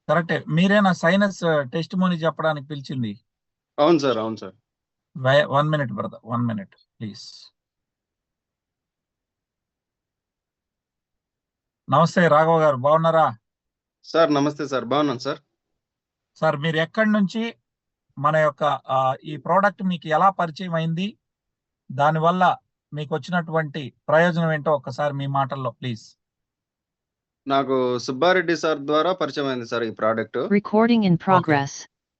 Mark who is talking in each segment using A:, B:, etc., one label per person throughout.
A: కరెక్టే. మీరేనా sinus testimony చెప్పడానికి పిలిచింది?
B: అవును సార్, అవును sir.
A: 1 minute brother, 1 minute please. నమస్తే రాఘవ గారు, బాగున్నారా?
B: సార్ నమస్తే సార్, బాగున్నాను సార్.
A: సార్ మీరు ఎక్కడి నుంచి మన యొక్క ఈ ప్రోడక్ట్ మీకు ఎలా పరిచయం అయింది, దానివల్ల మీకు వచ్చినటువంటి ప్రయోజనం ఏంటో ఒక్కసారి మీ మాటల్లో ప్లీజ్.
B: నాకు సుబ్బారెడ్డి సార్ ద్వారా పరిచయం అయింది సార్ ఈ product.
C: Recording in
A: okay.
C: progress.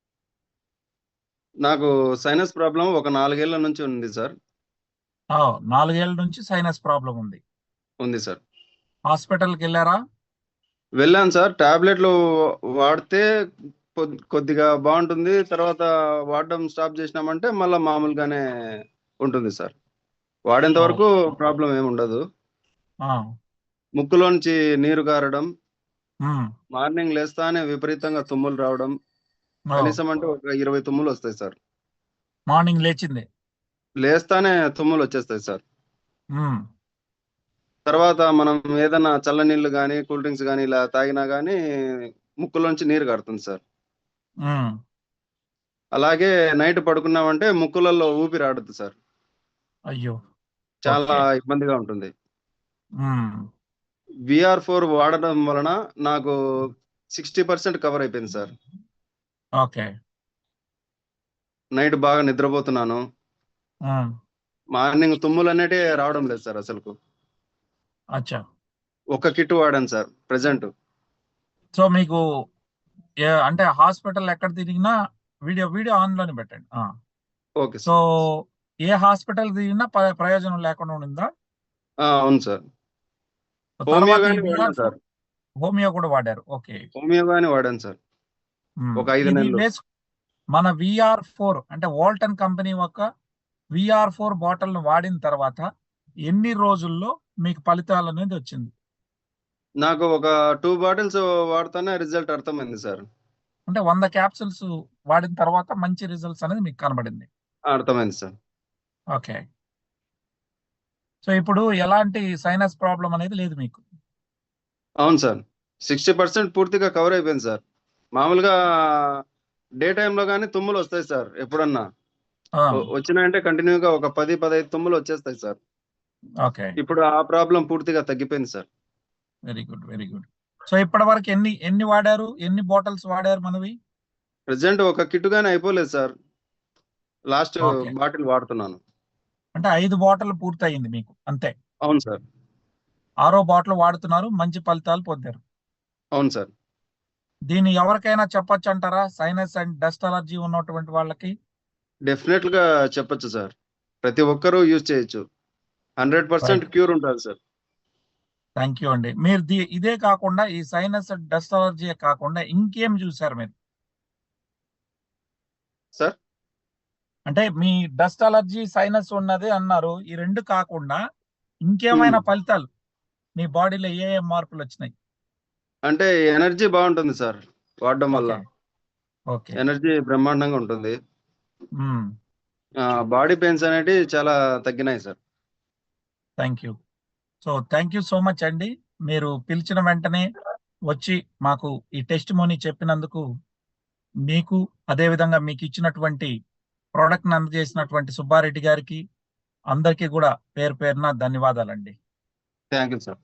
B: నాకు సైనస్ ప్రాబ్లం ఒక 4 ఏళ్ల నుంచి ఉంది సార్.
A: 4 ఏళ్ల నుంచి సైనస్ ప్రాబ్లం ఉంది.
B: ఉంది సార్.
A: హాస్పిటల్కి వెళ్ళారా?
B: వెళ్ళాను సార్. టాబ్లెట్లు వాడితే కొద్దిగా బాగుంటుంది. తర్వాత వాడడం స్టాప్ చేసినామంటే మళ్ళీ మామూలుగానే ఉంటుంది సార్. వాడేంత
A: ఓ,
B: వరకు ప్రాబ్లం ఏమి ఉండదు.
A: ఆ,
B: ముక్కులోంచి నీరు గారడం,
A: ఉమ్,
B: మార్నింగ్ లేస్తానే విపరీతంగా తుమ్ములు రావడం,
A: ఓ,
B: కనీసం అంటే ఒక 20 తుమ్ములు వస్తాయి సార్.
A: మార్నింగ్ లేచింది.
B: లేస్తానే తుమ్ములు వచ్చేస్తాయి సార్.
A: ఉమ్,
B: తర్వాత మనం ఏదైనా చల్లనీళ్ళు కానీ, కూల్ డ్రింక్స్ కానీ ఇలా తాగినా కానీ ముక్కులోంచి నీరు కారుతుంది సార్.
A: ఉమ్,
B: అలాగే నైట్ పడుకున్నామంటే ముక్కులలో ఊపిరి ఆడదు సార్.
A: అయ్యో.
B: చాలా
A: ఓకే.
B: ఇబ్బందిగా ఉంటుంది.
A: ఉమ్,
B: VR4 వాడడం వలన నాకు 60% కవర్ అయిపోయింది సార్.
A: ఓకే.
B: నైట్ బాగా నిద్రపోతున్నాను.
A: ఉమ్,
B: మార్నింగ్ తుమ్ములు అనేటి రావడం లేదు సార్ అసలుకు.
A: అచ్చా.
B: ఒక కిట్ వాడాను సార్ ప్రెసెంట్.
A: సో మీకు అంటే హాస్పిటల్ ఎక్కడ తిరిగినా వీడియో వీడియో ఆన్లోనే పెట్టండి.
B: Okay
A: so
B: sir.
A: ఏ హాస్పిటల్ తిరిగినా ప్రయోజనం లేకుండా ఉండిందా?
B: అవును సార్. హోమియో
A: తర్వాత ఈ
B: గాని వాడాను
A: VR4
B: సార్.
A: హోమియో కూడా వాడారు. ఓకే.
B: హోమియో గాని వాడాను సార్ ఒక 5
A: ఇది
B: నెలలు.
A: మన VR4 అంటే వోల్టన్ కంపెనీ యొక్క VR4 బాటిల్ వాడిన తర్వాత ఎన్ని రోజుల్లో మీకు ఫలితాలు అనేది వచ్చింది?
B: నాకు ఒక 2 బాటిల్స్ వాడితేనే రిజల్ట్ అర్థమైంది సార్.
A: అంటే 100 క్యాప్సూల్స్ వాడిన తర్వాత మంచి రిజల్ట్స్ అనేది మీకు కనబడింది.
B: అర్థమైంది సార్.
A: ఓకే. సో ఇప్పుడు ఎలాంటి సైనస్ ప్రాబ్లం అనేది లేదు మీకు?
B: అవును సార్. 60% పూర్తిగా కవర్ అయిపోయింది సార్. మామూలుగా డే టైంలో కానీ తుమ్ములు వస్తాయి సార్ ఎప్పుడన్నా.
A: ఆ,
B: వచ్చినాయంటే కంటిన్యూగా ఒక 10, 15 తుమ్ములు వచ్చేస్తాయి సార్.
A: ఓకే.
B: ఇప్పుడు ఆ ప్రాబ్లం పూర్తిగా తగ్గిపోయింది sir.
A: Very good, very good. So ఇప్పటి వరకు ఎన్ని వాడారు, ఎన్ని బాటిల్స్ వాడారు మనవి?
B: ప్రెసెంట్ ఒక కిట్ గానీ అయిపోలేదు సార్. Last
A: okay.
B: బాటిల్ వాడుతున్నాను.
A: అంటే 5 బాటిల్ పూర్తయింది మీకు అంతే.
B: అవును సార్.
A: 6వ బాటిల్ వాడుతున్నారు, మంచి ఫలితాలు పొందారు.
B: అవును సార్.
A: దీన్ని ఎవరికైనా చెప్పొచ్చు అంటారా, సైనస్ అండ్ డస్ట్ అలర్జీ ఉన్నటువంటి వాళ్ళకి?
B: డెఫినెట్ గా చెప్పొచ్చు సార్. ప్రతి ఒక్కరూ యూజ్ చేయొచ్చు. 100% క్యూర్ ఉంటుంది సార్.
A: థ్యాంక్ యూ అండి. మీరు ఇదే కాకుండా ఈ సైనస్ డస్ట్ అలర్జీ కాకుండా ఇంకేం చూసారు మీరు?
B: సార్
A: అంటే మీ డస్ట్ అలర్జీ సైనస్ ఉన్నది అన్నారు, ఈ రెండు కాకుండా ఇంకేమైనా ఫలితాలు మీ బాడీలో ఏ మార్పులు వచ్చినాయి?
B: అంటే ఎనర్జీ బాగుంటుంది సార్ వాడడం వల్ల.
A: ఓకే. ఓకే.
B: ఎనర్జీ బ్రహ్మాండంగా ఉంటుంది.
A: మ్మ్.
B: బాడీ పెయిన్స్ అనేటివి చాలా తగ్గినాయి sir.
A: Thank you. So thank you so much అండి. మీరు పిలిచిన వెంటనే వచ్చి మాకు ఈ టెస్టిమోనీ చెప్పినందుకు మీకు, అదేవిధంగా మీకు ఇచ్చినటువంటి ప్రోడక్ట్ని అందజేసినటువంటి సుబ్బారెడ్డి గారికి అందరికీ కూడా పేరు పేరున ధన్యవాదాలండి.
B: Thank you sir.